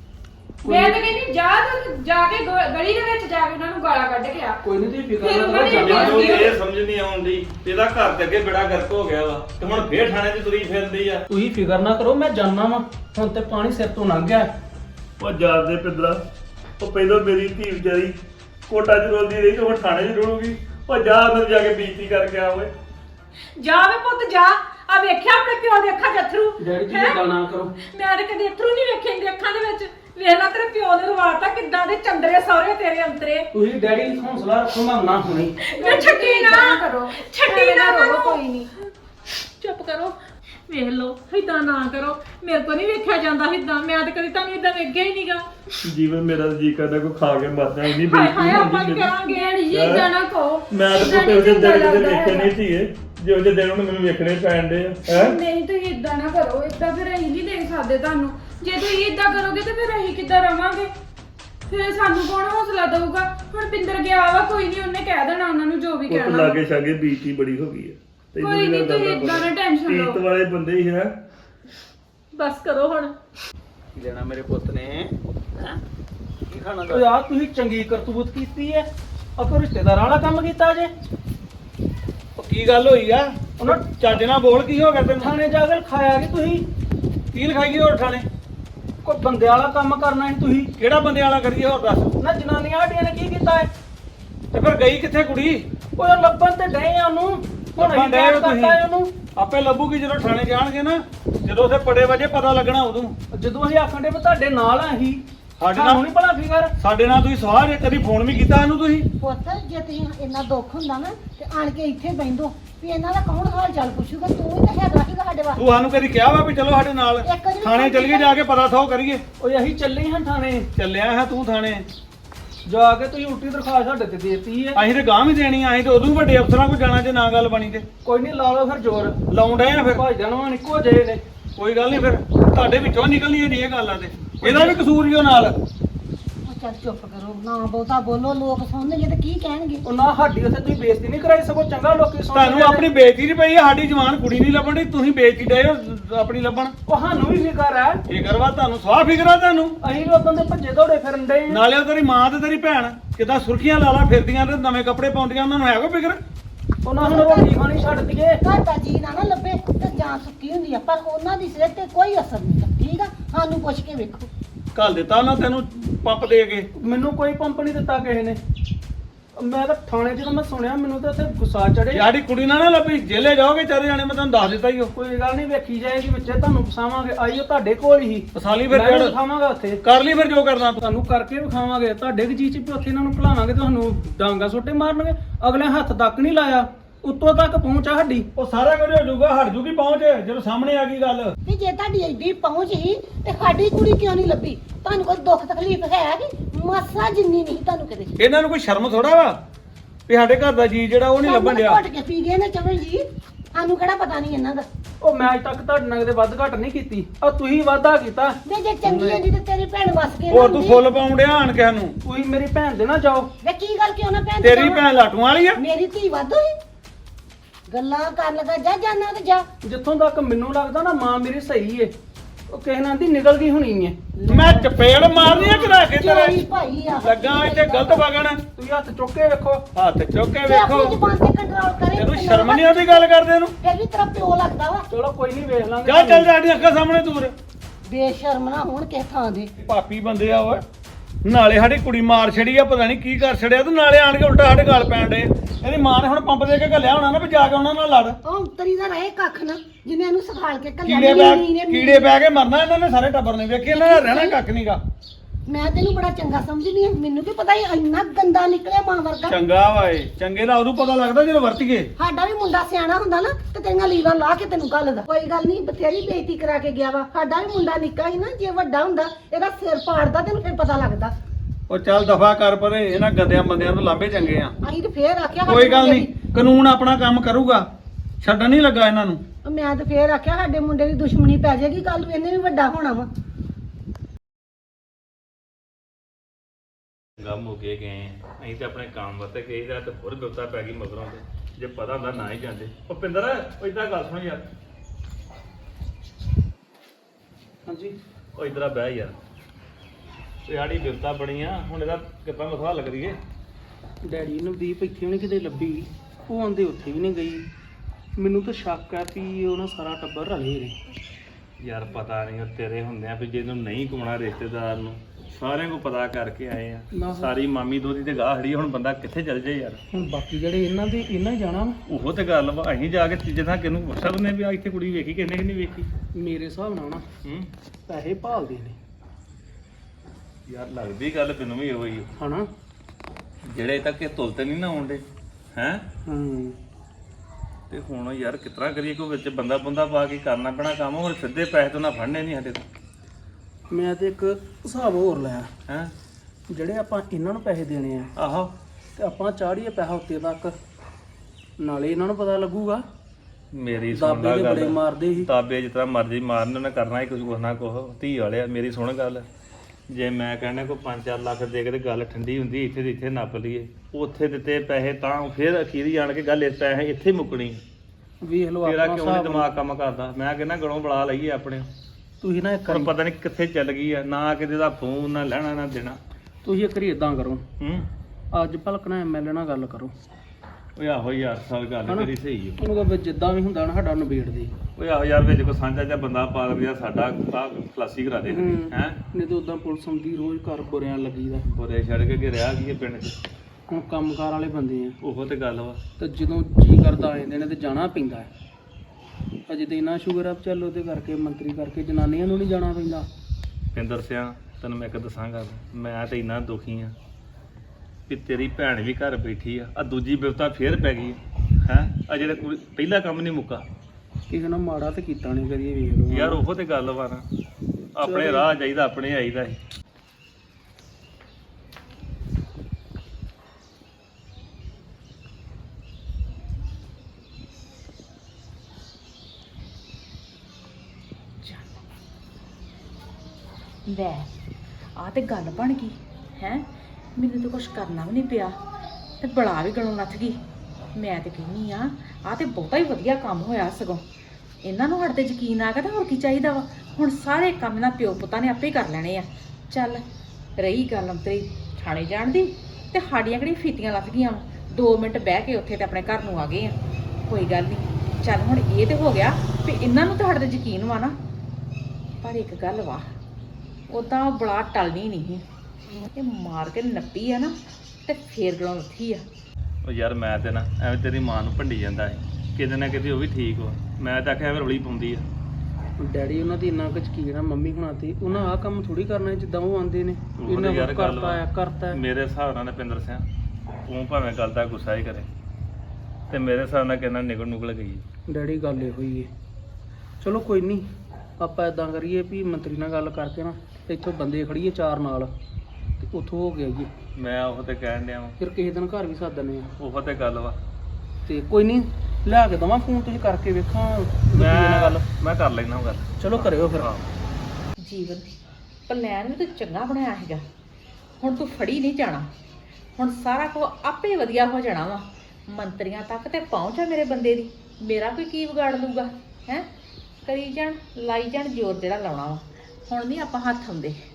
ਮੈਂ ਤਾਂ ਕਹਿੰਦੀ ਜਾ ਤੂੰ ਜਾ ਕੇ ਗਲੀ ਦੇ ਵਿੱਚ ਜਾ ਕੇ ਉਹਨਾਂ ਨੂੰ ਗਾਲਾਂ ਕੱਢ ਕੇ ਆ।
ਕੋਈ ਨਹੀਂ ਤੁਸੀਂ ਫਿਕਰ
ਫਿਰ
ਨਾ
ਉਹਨਾਂ ਨੇ
ਕਰੋ, ਜਾਵਾਂ।
ਮੈਨੂੰ ਇਹ ਸਮਝ ਨਹੀਂ ਆਉਂਦੀ ਇਹਦਾ ਘਰ ਤੇ ਅੱਗੇ ਬੜਾ ਗਰਕ ਹੋ ਗਿਆ ਵਾ ਤੇ ਹੁਣ ਫੇਰ ਥਾਣੇ 'ਚ ਤੁਰੀ ਫਿਰਦੀ ਆ।
ਤੁਸੀਂ ਫਿਕਰ ਨਾ ਕਰੋ, ਮੈਂ ਜਾਣਾ ਵਾ। ਹੁਣ ਤੇ ਪਾਣੀ ਸਿਰ ਤੋਂ ਲੰਘ ਗਿਆ।
ਉਹ ਜਾਣਦੇ ਪਿੰਦਰਾ ਉਹ ਪਹਿਲਾਂ ਮੇਰੀ ਧੀ ਵਿਚਾਰੀ ਕੋਟਾ ਚ ਰੋਲਦੀ ਰਹੀ ਤੇ ਹੁਣ ਥਾਣੇ 'ਚ ਰੋਲੂਗੀ। ਉਹ ਜਾ ਅੰਦਰ ਜਾ ਕੇ ਬੇਇੱਜ਼ਤੀ ਕਰਕੇ ਆ ਓਏ।
ਜਾ ਵੇ ਪੁੱਤ ਜਾ। ਆ ਵੇਖਿਆ ਆਪਣੇ ਪਿਓ ਦੇ ਅੱਖਾਂ 'ਚ ਅਥਰੂ।
ਡੈਡੀ ਜੀ
ਹੈਂ?
ਏਦਾਂ ਨਾ ਕਰੋ।
ਮੈਂ ਤਾਂ ਕਦੇ ਅਥਰੂ ਨਹੀਂ ਵੇਖੇ ਇਹਦੇ ਅੱਖਾਂ ਦੇ ਵਿੱਚ। ਵੇਖ ਲੈ ਤੇਰੇ ਪਿਓ ਨੇ ਰਵਾਤਾ ਕਿੱਦਾਂ ਦੇ ਚੰਦਰੇ ਸਹੁਰੇ ਤੇਰੇ ਅੰਤਰੇ।
ਤੁਸੀਂ ਡੈਡੀ ਨੂੰ ਹੌਸਲਾ ਰੱਖੋ, ਮੈਂ ਨਾ ਹੁਣੀ।
ਮੈਂ ਛੱਡੀ ਨਾ
ਕਰੋ,
ਛੱਡੀ ਨਾ
ਰੋ,
ਮੈਨੂੰ।
ਕੋਈ ਨਹੀਂ।
ਚੁੱਪ ਕਰੋ। ਵੇਖ ਲਓ ਏਦਾਂ ਨਾ ਕਰੋ। ਮੇਰੇ ਤੋਂ ਨਹੀਂ ਵੇਖਿਆ ਜਾਂਦਾ ਏਦਾਂ। ਮੈਂ ਤਾਂ ਕਦੀ ਤੁਹਾਨੂੰ ਏਦਾਂ ਵੇਖਿਆ ਹੀ ਨਹੀਂਗਾ।
ਜੀਵਨ ਮੇਰਾ ਜੀ ਕਰਦਾ ਕੋਈ ਖਾ ਕੇ ਮਰ ਜਾ ਇੰਨੀ
ਹਾਏ ਹਾਏ
ਬੇਇੱਜ਼ਤੀ
ਆਪਾਂ ਕੀ
ਹੁੰਦੀ
ਕਰਾਂਗੇ।
ਡੈਡੀ ਜੀ ਏਦਾਂ ਨਾ ਕਹੋ।
ਮੈਂ ਤਾਂ
ਏਦਾਂ
ਪੁੱਤੇ
ਨੀ
ਉਹਦੇ
ਚੰਗਾ
ਦਿਨ ਦੇ
ਲੱਗਦਾ
ਵੇਖੇ ਨਹੀਂ ਧੀਏ ਜੇ ਉਹਦੇ ਦਿਨ ਉਹਨੂੰ ਮੈਨੂੰ ਵੇਖਣੇ ਪੈਣ ਦੇ ਹੈ।
ਨਹੀਂ ਤੁਸੀਂ ਏਦਾਂ ਨਾ ਕਰੋ, ਏਦਾਂ ਫਿਰ ਅਸੀਂ ਨਹੀਂ ਦੇਖ ਸਕਦੇ ਤੁਹਾਨੂੰ। ਜੇ ਤੁਸੀਂ ਏਦਾਂ ਕਰੋਗੇ ਤੇ ਫਿਰ ਅਸੀਂ ਕਿੱਦਾਂ ਰਵਾਂਗੇ? ਫਿਰ ਸਾਨੂੰ ਕੌਣ ਹੌਸਲਾ ਦਊਗਾ? ਹੁਣ ਪਿੰਦਰ ਗਿਆ ਵਾ, ਕੋਈ ਨਹੀਂ, ਉਹਨੇ ਕਹਿ ਦੇਣਾ ਉਹਨਾਂ ਨੂੰ ਜੋ ਵੀ
ਪੁੱਤ
ਕਹਿਣਾ।
ਲਾਗੇ ਛਾਗੇ ਬੀਤੀ ਬੜੀ ਹੋ ਗਈ ਹੈ।
ਕੋਈ ਨੀ, ਤੁਸੀਂ ਏਦਾਂ ਨਾ tension ਲਓ।
ਤੀਤ ਵਾਲੇ ਬੰਦੇ ਹੀ ਹੈ।
ਬਸ ਕਰੋ ਹੁਣ।
ਕੀ ਲੈਣਾ ਮੇਰੇ ਪੁੱਤ ਨੇ? ਹੈਂ? ਕੀ ਖਾਣਾ ਦਾ? ਯਾਰ ਤੁਸੀਂ ਚੰਗੀ ਕਰਤੂਤ ਕੀਤੀ ਹੈ। ਆ ਕੋਈ ਰਿਸ਼ਤੇਦਾਰਾਂ ਵਾਲਾ ਕੰਮ ਕੀਤਾ ਜੇ?
ਉਹ ਕੀ ਗੱਲ ਹੋਈ ਆ?
ਉਹਨਾਂ
ਚੱਜ ਨਾਲ ਬੋਲ, ਕੀ ਹੋ ਗਿਆ ਤੈਨੂੰ?
ਥਾਣੇ ਜਾ ਕੇ ਖਾਇਆ ਕਿ ਤੁਸੀਂ
ਕੀ ਲਿਖਾਈ ਗਈ ਹੋਰ ਥਾਣੇ?
ਕੋਈ ਬੰਦੇ ਵਾਲਾ ਕੰਮ ਕਰਨਾ ਹੈ ਤੁਸੀਂ?
ਕਿਹੜਾ ਬੰਦੇ ਵਾਲਾ ਕਰੀਏ ਹੋਰ ਦੱਸ।
ਨਾ ਜਨਾਨੀਆਂ ਸਾਡੀਆਂ ਨੇ ਕੀ ਕੀਤਾ ਹੈ?
ਤੇ ਫਿਰ ਗਈ ਕਿੱਥੇ ਕੁੜੀ?
ਉਹ ਯਾਰ ਲੱਭਣ ਤੇ ਡਏ ਆ ਉਹਨੂੰ। ਹੁਣ
ਲੱਭਣ
ਅਸੀਂ
ਡਏ ਹੋ
ਕਰਤਾ ਹੈ ਉਹਨੂੰ।
ਆਪੇ ਲੱਭੂਗੀ ਜਦੋਂ ਥਾਣੇ ਜਾਣਗੇ ਨਾ, ਜਦੋਂ ਉੱਥੇ ਪੜੇ ਵਜੇ ਪਤਾ ਲੱਗਣਾ ਉਦੋਂ।
ਜਦੋਂ ਅਸੀਂ ਆਖਣ ਦੇ ਵੀ ਤੁਹਾਡੇ ਨਾਲ ਆ ਅਸੀਂ
ਸਾਡੇ
ਸਾਨੂੰ
ਨਾਲ
ਨਹੀਂ ਭਲਾ ਫਿਕਰ।
ਸਾਡੇ ਨਾਲ ਤੁਸੀਂ ਸਾਰੇ ਕਦੀ ਫੋਨ ਵੀ ਕੀਤਾ ਇਹਨੂੰ ਤੁਸੀਂ?
ਪੁੱਤ ਜੇ ਤੁਸੀਂ ਇੰਨਾ ਦੁੱਖ ਹੁੰਦਾ ਨਾ ਤੇ ਆਣ ਕੇ ਇੱਥੇ ਬੈਠੋ ਵੀ ਇਹਨਾਂ ਦਾ ਕੌਣ ਹਾਲ ਚਾਲ ਪੁੱਛੂਗਾ। ਤੂੰ ਵੀ ਤਾਂ ਹੈਗਾ ਸੀਗਾ ਸਾਡੇ ਵਾਸਤੇ।
ਤੂੰ ਸਾਨੂੰ ਕਦੀ ਕਿਹਾ ਵਾ ਵੀ ਚਲੋ ਸਾਡੇ ਨਾਲ
ਇੱਕ ਵਾਰੀ ਵੀ
ਥਾਣੇ ਚੱਲੀਏ ਜਾ ਕੇ ਪਤਾ ਥੋ ਕਰੀਏ?
ਓਏ ਅਸੀਂ ਚੱਲੇ ਹਾਂ ਥਾਣੇ।
ਚੱਲਿਆ ਹੈ ਤੂੰ ਥਾਣੇ।
ਜਾ ਕੇ ਤੁਸੀਂ ਉਲਟੀ ਦਰਖਾਸਤ ਸਾਡੇ ਤੇ ਦੇਤੀ ਹੈ।
ਅਸੀਂ ਤੇ ਗਾਂ ਵੀ ਦੇਣੀ ਆ, ਅਸੀਂ ਤੇ ਉਦੋਂ ਵੀ ਵੱਡੇ ਅਫਸਰਾਂ ਕੋਲ ਜਾਣਾ ਜੇ ਨਾ ਗੱਲ ਬਣੀ ਤੇ।
ਕੋਈ ਨਹੀਂ, ਲਾ ਲਓ ਫਿਰ ਜ਼ੋਰ।
ਲਾਉਣ ਡਏ ਆ ਫਿਰ।
ਭਾਈ ਜਾਨੋਂ ਇੱਕੋ ਜਿਹੇ ਨੇ।
ਕੋਈ ਗੱਲ ਨਹੀਂ ਫਿਰ ਤੁਹਾਡੇ ਵਿੱਚੋਂ ਨਿਕਲਣੀ ਨਹੀਂ ਇਹ ਗੱਲਾਂ ਤੇ। ਇਹਦਾ ਵੀ ਕਸੂਰ ਹੀ ਉਹ ਨਾਲ।
ਉਹ ਚੱਲ ਚੁੱਪ ਕਰੋ, ਨਾ ਬਹੁਤਾ ਬੋਲੋ। ਲੋਕ ਸੁਣਨਗੇ ਤੇ ਕੀ ਕਹਿਣਗੇ?
ਉਹ ਨਾ ਸਾਡੀ ਉੱਥੇ ਤੁਸੀਂ ਬੇਇੱਜ਼ਤੀ ਨਹੀਂ ਕਰਾਈ, ਸਗੋਂ ਚੰਗਾ ਲੋਕੀ ਸੁਣਦੇ
ਤੁਹਾਨੂੰ
ਨੇ।
ਆਪਣੀ ਬੇਇੱਜ਼ਤੀ ਨਹੀਂ ਪਈ, ਸਾਡੀ ਜਵਾਨ ਕੁੜੀ ਨਹੀਂ ਲੱਭਣ ਦੀ, ਤੁਸੀਂ ਬੇਇੱਜ਼ਤੀ ਡਏ ਹੋ ਆਪਣੀ ਲੱਭਣ।
ਉਹ ਸਾਨੂੰ ਵੀ ਫਿਕਰ ਹੈ।
ਫਿਕਰ ਵਾ ਤੁਹਾਨੂੰ, ਸਵਾਹ ਫਿਕਰ ਆ ਤੁਹਾਨੂੰ।
ਅਸੀਂ ਵੀ ਉਦੋਂ ਦੇ ਭੱਜੇ ਦੌੜੇ ਫਿਰਨ ਦੇ।
ਨਾਲੇ ਉਹ ਤੇਰੀ ਮਾਂ ਤੇ ਤੇਰੀ ਭੈਣ ਕਿਦਾਂ ਸੁਰਖੀਆਂ ਲਾਲਾ ਫਿਰਦੀਆਂ ਤੇ ਨਵੇਂ ਕੱਪੜੇ ਪਾਉਂਦੀਆਂ, ਉਹਨਾਂ ਨੂੰ ਹੈ ਕੋਈ ਫਿਕਰ?
ਉਹਨਾਂ ਨੂੰ ਰੋਟੀ ਖਾਣੀ ਛੱਡ ਦਈਏ।
ਘਰ ਦਾ ਜੀ ਨਾ ਲੱਭੇ ਤੇ ਜਾਨ ਸੁੱਕੀ ਹੁੰਦੀ ਆ, ਪਰ ਉਹਨਾਂ ਦੀ ਸਿਹਤ ਤੇ ਕੋਈ ਅਸਰ ਨਹੀਂ। ਠੀਕ ਆ, ਸਾਨੂੰ ਪੁੱਛ ਕੇ ਵੇਖੋ।
ਘੱਲ ਦਿੱਤਾ ਉਹਨਾਂ ਤੈਨੂੰ ਪੰਪ ਦੇ ਕੇ।
ਮੈਨੂੰ ਕੋਈ ਪੰਪ ਨਹੀਂ ਦਿੱਤਾ ਕਿਸੇ ਨੇ। ਮੈਂ ਤਾਂ ਥਾਣੇ ਜਦੋਂ ਮੈਂ ਸੁਣਿਆ ਮੈਨੂੰ ਤਾਂ ਉੱਥੇ ਗੁੱਸਾ ਚੜਿਆ।
ਸਾਡੀ ਕੁੜੀ ਨਾਲ ਨਾ ਲੱਭੀ, ਜੇਲੇ ਜਾਓਗੇ ਚਾਰੇ ਜਾਣੇ, ਮੈਂ ਤੁਹਾਨੂੰ ਦੱਸ ਦਿੱਤਾ ਹੀ ਉਹ।
ਕੋਈ ਗੱਲ ਨਹੀਂ, ਵੇਖੀ ਜਾਏਗੀ ਵਿੱਚੇ ਤੁਹਾਨੂੰ ਫਸਾਵਾਂਗੇ। ਆਈਓ ਤੁਹਾਡੇ ਕੋਲ ਹੀ
ਫਸਾਲੀ ਫਿਰ
ਮੈਂ
ਜੜ
ਵਿਖਾਵਾਂਗਾ ਉੱਥੇ।
ਕਰ ਲਈ ਫਿਰ ਜੋ ਕਰਨਾ ਤੂੰ।
ਤੁਹਾਨੂੰ ਕਰਕੇ ਵਿਖਾਵਾਂਗੇ ਤੁਹਾਡੇ ਜੀ ਚ ਵੀ ਉੱਥੇ ਇਹਨਾਂ ਨੂੰ ਭੁਲਾਵਾਂਗੇ। ਤੁਹਾਨੂੰ ਡਾਂਗਾ ਸੋਟੇ ਮਾਰਨਗੇ। ਅਗਲੇ ਹੱਥ ਤੱਕ ਨਹੀਂ ਲਾਇਆ, ਉੱਤੋਂ ਤੱਕ ਪਹੁੰਚਾ ਸਾਡੀ।
ਉਹ ਸਾਰਾ ਕੁਝ ਹੋ ਜਾਊਗਾ, ਹਟ ਜੂਗੀ ਪਹੁੰਚ ਜਦੋਂ ਸਾਹਮਣੇ ਆ ਗਈ ਗੱਲ।
ਵੀ ਜੇ ਤੁਹਾਡੀ ਐਡੀ ਪਹੁੰਚ ਹੀ ਤੇ ਸਾਡੀ ਕੁੜੀ ਕਿਉਂ ਨਹੀਂ ਲੱਭੀ? ਤੁਹਾਨੂੰ ਕੋਈ ਦੁੱਖ ਤਕਲੀਫ ਹੈ ਕਿ ਮਾਸਾ ਜਿੰਨੀ ਨਹੀਂ ਤੁਹਾਨੂੰ ਕਿਤੇ?
ਇਹਨਾਂ ਨੂੰ ਕੋਈ ਸ਼ਰਮ ਥੋੜਾ ਵਾ ਵੀ ਸਾਡੇ ਘਰ ਦਾ ਜੀ ਜਿਹੜਾ ਉਹ ਨਹੀਂ ਲੱਭਣ ਡਿਆ।
ਘੁੱਟ ਕੇ ਪੀ ਗਏ ਨੇ ਚਵੇਂ ਜੀ, ਸਾਨੂੰ ਕਿਹੜਾ ਪਤਾ ਨਹੀਂ ਇਹਨਾਂ ਦਾ।
ਉਹ ਮੈਂ ਅੱਜ ਤੱਕ ਤੁਹਾਡੇ ਨਾਲ ਕਿਤੇ ਵੱਧ ਘੱਟ ਨਹੀਂ ਕੀਤੀ। ਆ ਤੁਸੀਂ ਵਾਧਾ ਕੀਤਾ।
ਵੇ ਜੇ ਚੰਗੀ ਹੁੰਦੀ ਤੇ ਤੇਰੀ ਭੈਣ ਵਸ ਕੇ
ਹੋਰ ਤੂੰ ਫੁੱਲ ਪਾਉਣ ਡਿਆ ਆਣ ਕੇ ਸਾਨੂੰ।
ਤੁਸੀਂ ਮੇਰੀ ਭੈਣ ਦੇ ਨਾ ਜਾਓ।
ਵੇ ਕੀ ਗੱਲ ਕਿਉਂ ਨਾ ਭੈਣ ਦੇ
ਤੇਰੀ
ਜਾਵਾਂ?
ਭੈਣ ਲਾਟੂਆਂ ਵਾਲੀ ਆ।
ਮੇਰੀ ਧੀ ਵਾਧੂ ਹੀ ਗੱਲਾਂ ਕਰਨ ਲੱਗਾ। ਜਾ ਜਾਨਾ ਤੇ ਜਾ।
ਜਿੱਥੋਂ ਤੱਕ ਮੈਨੂੰ ਲੱਗਦਾ ਨਾ ਮਾਂ ਮੇਰੀ ਸਹੀ ਏ। ਉਹ ਕਿਸੇ ਨਾਲ ਦੀ ਨਿਕਲ ਗਈ ਹੋਣੀ ਹੈ। ਮੈਂ ਚਪੇੜ ਮਾਰਨੀ ਆ ਕਰਾ ਕੇ ਤੇਰੇ
ਚੋਰੀ ਭਾਈ ਆ
ਲੱਗਾ ਇੱਥੇ ਗਲਤ ਵਗਣ। ਤੁਸੀਂ ਹੱਥ ਚੁੱਕ ਕੇ ਵੇਖੋ, ਹੱਥ ਚੁੱਕ ਕੇ
ਤੇ ਆਪਣੀ
ਵੇਖੋ।
ਜ਼ੁਬਾਨ ਤੇ ਕੰਟਰੋਲ ਕਰੇ
ਤੈਨੂੰ ਸ਼ਰਮ ਨਹੀਂ ਆਉਂਦੀ ਗੱਲ ਕਰਦੇ ਨੂੰ?
ਫਿਰ ਵੀ ਤੇਰਾ ਪਿਓ ਲੱਗਦਾ ਵਾ।
ਚਲੋ ਕੋਈ ਨਹੀਂ ਵੇਖ ਲਾਂਗੇ। ਜਾ ਚੱਲ ਸਾਡੀ ਅੱਖਾਂ ਸਾਹਮਣੇ ਦੂਰ।
ਬੇਸ਼ਰਮ ਨਾ ਹੋਣ ਕਿਸੇ ਥਾਂ ਦੇ।
ਪਾਪੀ ਬੰਦੇ ਆ ਓਏ, ਨਾਲੇ ਸਾਡੀ ਕੁੜੀ ਮਾਰ ਛੜੀ ਆ, ਪਤਾ ਨਹੀਂ ਕੀ ਕਰ ਛੜਿਆ, ਤੇ ਨਾਲੇ ਆਣ ਕੇ ਉਲਟਾ ਸਾਡੇ ਗਲ ਪੈਣ ਡੇ। ਇਹਦੀ ਮਾਂ ਨੇ ਹੁਣ ਪੰਪ ਦੇ ਕੇ ਘੱਲਿਆ ਹੋਣਾ ਨਾ ਵੀ ਜਾ ਕੇ ਉਹਨਾਂ ਨਾਲ ਲੜ।
ਉਹ ਉਤਰੀ ਦਾ ਰਹੇ ਕੱਖ ਨਾ ਜਿਨੇ ਇਹਨੂੰ ਸਿਖਾਲ ਕੇ
ਕੀੜੇ ਪੈ ਕੇ ਮਰਨਾ ਇਹਨਾਂ ਨੇ ਸਾਰੇ ਟੱਬਰ ਨੇ। ਵੇਖੀ ਇਹਨਾਂ ਦਾ ਰਹਿਣਾ ਕੱਖ ਨਹੀਂਗਾ।
ਮੈਂ ਤੈਨੂੰ ਬੜਾ ਚੰਗਾ ਸਮਝਦੀ ਆ, ਮੈਨੂੰ ਕੀ ਪਤਾ ਇਹ ਇੰਨਾ ਗੰਦਾ ਨਿਕਲਿਆ ਮਾਂ ਵਰਗਾ।
ਚੰਗਾ ਵਾਏ, ਚੰਗੇ ਦਾ ਉਦੋਂ ਪਤਾ ਲੱਗਦਾ ਜਦੋਂ ਵਰਤੀਏ।
ਸਾਡਾ ਵੀ ਮੁੰਡਾ ਸਿਆਣਾ ਹੁੰਦਾ ਨਾ ਤੇ ਤੇਰੀਆਂ ਲੀਵਰ ਲਾ ਕੇ ਤੈਨੂੰ ਗੱਲ ਦਾ। ਕੋਈ ਗੱਲ ਨਹੀਂ, ਬਥੇਰੀ ਬੇਇੱਜ਼ਤੀ ਕਰਾ ਕੇ ਗਿਆ ਵਾ। ਸਾਡਾ ਵੀ ਮੁੰਡਾ ਨਿੱਕਾ ਹੀ ਨਾ, ਜੇ ਵੱਡਾ ਹੁੰਦਾ ਇਹਦਾ ਸਿਰ ਪਾੜਦਾ ਤੈਨੂੰ ਫਿਰ ਪਤਾ ਲੱਗਦਾ।
ਉਹ ਚੱਲ ਦਫਾ ਕਰ ਪਰੇ, ਇਹਨਾਂ ਗੰਦਿਆਂ ਬੰਦਿਆਂ ਤੋਂ ਲਾਂਭੇ ਚੰਗੇ ਆ।
ਅਸੀਂ ਤੇ ਫੇਰ ਆਖਿਆ
ਕੋਈ ਗੱਲ ਨਹੀਂ, ਕਾਨੂੰਨ ਆਪਣਾ ਕੰਮ ਕਰੂਗਾ, ਛੱਡਣ ਨਹੀਂ ਲੱਗਾ ਇਹਨਾਂ ਨੂੰ।
ਮੈਂ ਤੇ ਫੇਰ ਆਖਿਆ ਸਾਡੇ ਮੁੰਡੇ ਦੀ ਦੁਸ਼ਮਣੀ ਪੈ ਜਾਏਗੀ, ਕੱਲ ਨੂੰ ਇਹਨੇ ਵੀ ਵੱਡਾ ਹੋਣਾ ਵਾ।
ਗਮ ਹੋ ਕੇ ਗਏ ਆ। ਅਸੀਂ ਤੇ ਆਪਣੇ ਕੰਮ ਵਾਸਤੇ ਗਏ ਦਾ ਤੇ ਹੋਰ ਗੁੱਸਾ ਪੈ ਗਈ ਮਗਰੋਂ ਤੇ। ਜੇ ਪਤਾ ਹੁੰਦਾ ਨਾ ਹੀ ਜਾਂਦੇ। ਉਹ ਪਿੰਦਰ ਉਹ ਇਦਾਂ ਗੱਲ ਸੁਣ ਯਾਰ।
ਹਾਂਜੀ,
ਉਹ ਇਧਰ ਆ ਬਹਿ ਯਾਰ। ਤੇ ਆੜੀ ਬਿਰਤਾ ਬਣੀ ਆ, ਹੁਣ ਇਹਦਾ ਕਿੱਦਾਂ ਮਸਲਾ ਹੱਲ ਕਰੀਏ?
ਡੈਡੀ ਨੂੰ ਦੀਪ ਇੱਥੇ ਵੀ ਕਿਤੇ ਲੱਭੀ, ਉਹ ਆਂਦੇ ਉੱਥੇ ਵੀ ਨਹੀਂ ਗਈ। ਮੈਨੂੰ ਤਾਂ ਸ਼ੱਕ ਹੈ ਵੀ ਉਹਨਾਂ ਸਾਰਾ ਟੱਬਰ ਰਲੇ ਨੇ।
ਯਾਰ ਪਤਾ ਨਹੀਂ, ਉਹ ਤੇਰੇ ਹੁੰਦਿਆਂ ਵੀ ਜਿਹਨੂੰ ਨਹੀਂ ਘੁੰਮਣਾ ਰਿਸ਼ਤੇਦਾਰ ਨੂੰ ਸਾਰਿਆਂ ਨੂੰ ਪਤਾ ਕਰਕੇ ਆਏ ਆ। ਸਾਰੀ ਮਾਮੀ ਦੋਦੀ ਤੇ ਗਾਹ ਖੜੀ, ਹੁਣ ਬੰਦਾ ਕਿੱਥੇ ਚੱਲ ਜਾਏ ਯਾਰ।
ਹੁਣ ਬਾਕੀ ਜਿਹੜੇ ਇਹਨਾਂ ਹੀ ਜਾਣਾ ਵਾ।
ਉਹ ਤੇ ਗੱਲ ਵਾ, ਅਸੀਂ ਜਾ ਕੇ ਤੀਜੇ ਥਾਂ ਕਿਹਨੂੰ ਪੁੱਛ ਸਕਦੇ ਵੀ ਆ ਇੱਥੇ ਕੁੜੀ ਵੇਖੀ ਕਿੰਨੇ ਕਿ ਨਹੀਂ ਵੇਖੀ।
ਮੇਰੇ ਹਿਸਾਬ ਨਾਲ ਨਾ ਪੈਸੇ ਭਾਲਦੇ ਨੇ
ਯਾਰ। ਲੱਗਦੀ ਗੱਲ ਮੈਨੂੰ ਵੀ ਉਹੀ
ਹਨਾ,
ਜਿਹੜੇ ਤੱਕ ਇਹ ਤੁਲਤੇ ਨਹੀਂ ਨਾ ਆਉਂਦੇ ਹੈ। ਤੇ ਹੁਣ ਯਾਰ ਕਿਤਨਾ ਕਰੀਏ, ਕੋਈ ਵਿੱਚ ਬੰਦਾ ਪਾ ਕੇ ਕਰਨਾ ਪੈਣਾ ਕੰਮ। ਹੁਣ ਸਿੱਧੇ ਪੈਸੇ ਤੋਂ ਨਾ ਫੜਨੇ ਨਹੀਂ ਸਾਡੇ ਤੋਂ।
ਮੈਂ ਤੇ ਇੱਕ ਹਿਸਾਬ ਹੋਰ ਲਾਇਆ
ਹੈ,
ਜਿਹੜੇ ਆਪਾਂ ਇਹਨਾਂ ਨੂੰ ਪੈਸੇ ਦੇਣੇ ਆ,
ਆਹੋ,
ਤੇ ਆਪਾਂ ਚਾੜੀਏ ਪੈਸਾ ਉੱਤੇ ਤੱਕ, ਨਾਲੇ ਇਹਨਾਂ ਨੂੰ ਪਤਾ ਲੱਗੂਗਾ।
ਮੇਰੀ ਸੁਣ
ਦਾਬੇ ਦੇ ਬੜੇ
ਗੱਲ।
ਮਾਰਦੇ ਸੀ।
ਤਾਬੇ ਜਿਸ ਤਰ੍ਹਾਂ ਮਰਜ਼ੀ ਮਾਰਨ, ਉਹਨੇ ਕਰਨਾ ਹੀ ਕੁਝ ਨਾ ਕੁਛ। ਧੀ ਵਾਲਿਆ ਮੇਰੀ ਸੁਣ ਗੱਲ। ਜੇ ਮੈਂ ਕਹਿੰਦਾ ਕੋਈ 5-4 ਲੱਖ ਦੇ ਕੇ ਤੇ ਗੱਲ ਠੰਡੀ ਹੁੰਦੀ, ਇੱਥੇ ਦੀ ਇੱਥੇ ਨੱਪ ਲਈਏ। ਉੱਥੇ ਦਿੱਤੇ ਪੈਸੇ ਤਾਂ ਫਿਰ ਅਖੀਰੀ ਜਾਣ ਕੇ ਗੱਲ ਇਸ ਪੈਸੇ ਇੱਥੇ ਮੁੱਕਣੀ।
ਵੇਖ ਲਓ
ਤੇਰਾ
ਆਪਣਾ
ਕਿਉਂ ਨਹੀਂ
ਹਿਸਾਬ।
ਦਿਮਾਗ ਕੰਮ ਕਰਦਾ? ਮੈਂ ਕਹਿੰਦਾ ਗਲੋਂ ਬੁਲਾ ਲਈਏ ਆਪਣੇ।
ਤੁਸੀਂ ਨਾ ਇੱਕ
ਹੁਣ
ਵਾਰੀ
ਪਤਾ ਨਹੀਂ ਕਿੱਥੇ ਚੱਲ ਗਈ ਆ, ਨਾ ਕਿਤੇ ਦਾ ਫੋਨ, ਨਾ ਲੈਣਾ ਨਾ ਦੇਣਾ।
ਤੁਸੀਂ ਇੱਕ ਵਾਰੀ ਇਦਾਂ ਕਰੋ,
ਹੂੰ,
ਅੱਜ ਭਲਕਣਾ ਐਮਐਲਏ ਨਾਲ ਗੱਲ ਕਰੋ।
ਓਏ ਆਹੋ ਯਾਰ, ਸਾਲ ਗੱਲ
ਹਨਾ?
ਤੇਰੀ ਸਹੀ ਹੈ।
ਉਹਨੂੰ ਕਹੋ ਜਿੱਦਾਂ ਵੀ ਹੁੰਦਾ ਨਾ ਸਾਡਾ ਨਿਬੇੜ ਦੇ।
ਓਏ ਆਹੋ ਯਾਰ, ਵਿੱਚ ਕੋਈ ਸਾਂਝਾ ਜਿਹਾ ਬੰਦਾ ਪਾ ਦੇ ਯਾਰ, ਸਾਡਾ ਆਹ ਖਲਾਸੀ ਕਰਾ ਦੇ ਹੈ।
ਨਹੀਂ ਤਾਂ ਉਦਾਂ ਪੁਲਿਸ ਆਉਂਦੀ ਰੋਜ਼ ਘਰ ਬੁਰਿਆਂ ਲੱਗੀਦਾ।
ਬੁਰੇ ਛੱਡ ਕੇ ਰਿਹਾ ਕੀ ਪਿੰਡ 'ਚ।
ਹੁਣ ਕੰਮਕਾਰ ਵਾਲੇ ਬੰਦੇ ਆ,
ਉਹੋ ਤੇ ਗੱਲ ਵਾ।
ਤੇ ਜਦੋਂ ਜੀ ਕਰਦਾ ਆ ਜਾਂਦੇ ਨੇ ਤੇ ਜਾਣਾ ਪੈਂਦਾ ਹੈ। ਅਜੇ ਤੇ ਇੰਨਾ ਸ਼ੂਗਰ ਆ, ਚੱਲ ਉਹਦੇ ਕਰਕੇ ਮੰਤਰੀ ਕਰਕੇ ਜਨਾਨੀਆਂ ਨੂੰ ਨਹੀਂ ਜਾਣਾ ਪੈਂਦਾ।
ਪਿੰਦਰ ਸਿਆ, ਤੈਨੂੰ ਮੈਂ ਇੱਕ ਦੱਸਾਂਗਾ, ਮੈਂ ਤੇ ਇੰਨਾ ਦੁਖੀ ਆ ਵੀ ਤੇਰੀ ਭੈਣ ਵੀ ਘਰ ਬੈਠੀ ਆ ਦੂਜੀ ਬਿਪਤਾ ਫੇਰ ਪੈ ਗਈ ਹੈ। ਅਜੇ ਤਾਂ ਪਹਿਲਾ ਕੰਮ ਨਹੀਂ ਮੁੱਕਾ।
ਕਿਸੇ ਨਾਲ ਮਾੜਾ ਤੇ ਕੀਤਾ ਨਹੀਂ ਕਰੀਏ, ਵੇਖ ਲਓ
ਯਾਰ ਉਹੋ ਤੇ ਗੱਲ ਵਾ ਨਾ, ਆਪਣੇ ਰਾਹ ਜਾਈਦਾ, ਆਪਣੇ ਆਈਦਾ ਸੀ।
ਲੈ ਆ ਤੇ ਗੱਲ ਬਣ ਗਈ ਹੈ। ਮੈਨੂੰ ਤਾਂ ਕੁਛ ਕਰਨਾ ਵੀ ਨਹੀਂ ਪਿਆ ਤੇ ਬੜਾ ਵੀ ਗਲੋਂ ਨੱਥ ਗਈ। ਮੈਂ ਤੇ ਕਹਿੰਨੀ ਆ ਤੇ ਬਹੁਤਾ ਹੀ ਵਧੀਆ ਕੰਮ ਹੋਇਆ। ਸਗੋਂ ਇਹਨਾਂ ਨੂੰ ਸਾਡੇ ਤੇ ਯਕੀਨ ਆ ਗਿਆ ਤਾਂ ਹੋਰ ਕੀ ਚਾਹੀਦਾ ਵਾ। ਹੁਣ ਸਾਰੇ ਕੰਮ ਨਾ ਪਿਓ ਪੁੱਤਾਂ ਨੇ ਆਪੇ ਹੀ ਕਰ ਲੈਣੇ ਆ। ਚੱਲ ਰਹੀ ਗੱਲ ਅੰਤਰੀ ਥਾਣੇ ਜਾਣ ਦੀ, ਤੇ ਸਾਡੀਆਂ ਕਿਹੜੀਆਂ ਫੀਤੀਆਂ ਲੱਥ ਗਈਆਂ। 2 ਮਿੰਟ ਬਹਿ ਕੇ ਉੱਥੇ ਤੇ ਆਪਣੇ ਘਰ ਨੂੰ ਆ ਗਏ ਆ। ਕੋਈ ਗੱਲ ਨਹੀਂ, ਚੱਲ ਹੁਣ ਇਹ ਤੇ ਹੋ ਗਿਆ ਵੀ ਇਹਨਾਂ ਨੂੰ ਤਾਂ ਸਾਡੇ ਤੇ ਯਕੀਨ ਵਾ ਨਾ। ਪਰ ਇੱਕ ਗੱਲ ਵਾ, ਉਦਾਂ ਬੜਾ ਟਲਣੀ ਨਹੀਂ। ਇਹ ਮਾਰ ਕੇ ਨੱਪੀ ਆ ਨਾ ਤੇ ਫੇਰ ਗਲੋਂ ਲੱਥੀ ਆ।
ਉਹ ਯਾਰ ਮੈਂ ਤੇ ਨਾ ਐਵੇਂ ਤੇਰੀ ਮਾਂ ਨੂੰ ਭੰਡੀ ਜਾਂਦਾ ਸੀ, ਕਿਤੇ ਨਾ ਕਿਤੇ ਉਹ ਵੀ ਠੀਕ ਵਾ। ਮੈਂ ਤਾਂ ਆਖਿਆ ਐਵੇਂ ਰੌਲੀ ਪਾਉਂਦੀ ਆ।
ਡੈਡੀ ਉਹਨਾਂ ਦੀ ਇੰਨਾ ਕੁ ਯਕੀਨ ਆ ਮੰਮੀ ਹੁਣਾਂ ਤੇ, ਉਹਨਾਂ ਆਹ ਕੰਮ ਥੋੜੀ ਕਰਨਾ ਜਿੱਦਾਂ ਉਹ ਆਂਦੇ ਨੇ। ਇਹਨਾਂ
ਯਾਰ ਗੱਲ
ਕਰਤਾ
ਮੇਰੇ ਹਿਸਾਬ ਨਾਲ ਪਿੰਦਰ ਸਿੰਘ, ਤੂੰ ਭਾਵੇਂ ਗੱਲ ਦਾ ਗੁੱਸਾ ਹੀ ਕਰੇ, ਤੇ ਮੇਰੇ ਹਿਸਾਬ ਨਾਲ ਕਿੰਨਾ ਨਿਕਲ ਗਈ।
ਡੈਡੀ ਗੱਲ ਇਹੋ ਹੀ ਹੈ। ਚਲੋ ਕੋਈ ਨਹੀਂ, ਆਪਾਂ ਇਦਾਂ ਕਰੀਏ ਵੀ ਮੰਤਰੀ ਨਾਲ ਗੱਲ ਕਰਕੇ ਨਾ ਇੱਥੋਂ ਬੰਦੇ ਖੜੀਏ 4 ਨਾਲ, ਤੇ ਉੱਥੋਂ ਹੋ ਗਿਆ ਜੀ।
ਮੈਂ ਉਹ ਤੇ ਕਹਿਣ ਡਿਆ ਵਾਂ,
ਫਿਰ ਕਿਸੇ ਦਿਨ ਘਰ ਵੀ ਸੱਦਣੇ ਆ।
ਉਹ ਤੇ ਗੱਲ ਵਾ।
ਤੇ ਕੋਈ ਨਹੀਂ, ਲਿਆ ਕੇ ਦਵਾਂ ਫੋਨ, ਤੁਸੀਂ ਕਰਕੇ ਵੇਖਾਂ ਨਾਲ ਗੱਲ।
ਮੈਂ ਕਰ ਲੈਣਾ ਗੱਲ।
ਚਲੋ ਕਰਿਓ ਫਿਰ।
ਜੀਵਨ ਪਲਾਨ ਵੀ ਤੂੰ ਚੰਗਾ ਬਣਾਇਆ ਹੈਗਾ। ਹੁਣ ਤੂੰ ਫੜੀ ਨਹੀਂ ਜਾਣਾ। ਹੁਣ ਸਾਰਾ ਕੁਝ ਆਪੇ ਵਧੀਆ ਹੋ ਜਾਣਾ ਵਾ। ਮੰਤਰੀਆਂ ਤੱਕ ਤੇ ਪਹੁੰਚ ਆ ਮੇਰੇ ਬੰਦੇ ਦੀ। ਮੇਰਾ ਕੋਈ ਕੀ ਵਿਗਾੜ ਲੂਗਾ ਹੈ। ਕਰੀ ਜਾਣ ਲਾਈ ਜਾਣ ਜ਼ੋਰ ਜਿਹੜਾ ਲਾਉਣਾ ਵਾ ਹੁਣ ਨਹੀਂ ਆਪਾਂ ਹੱਥ ਆਉਂਦੇ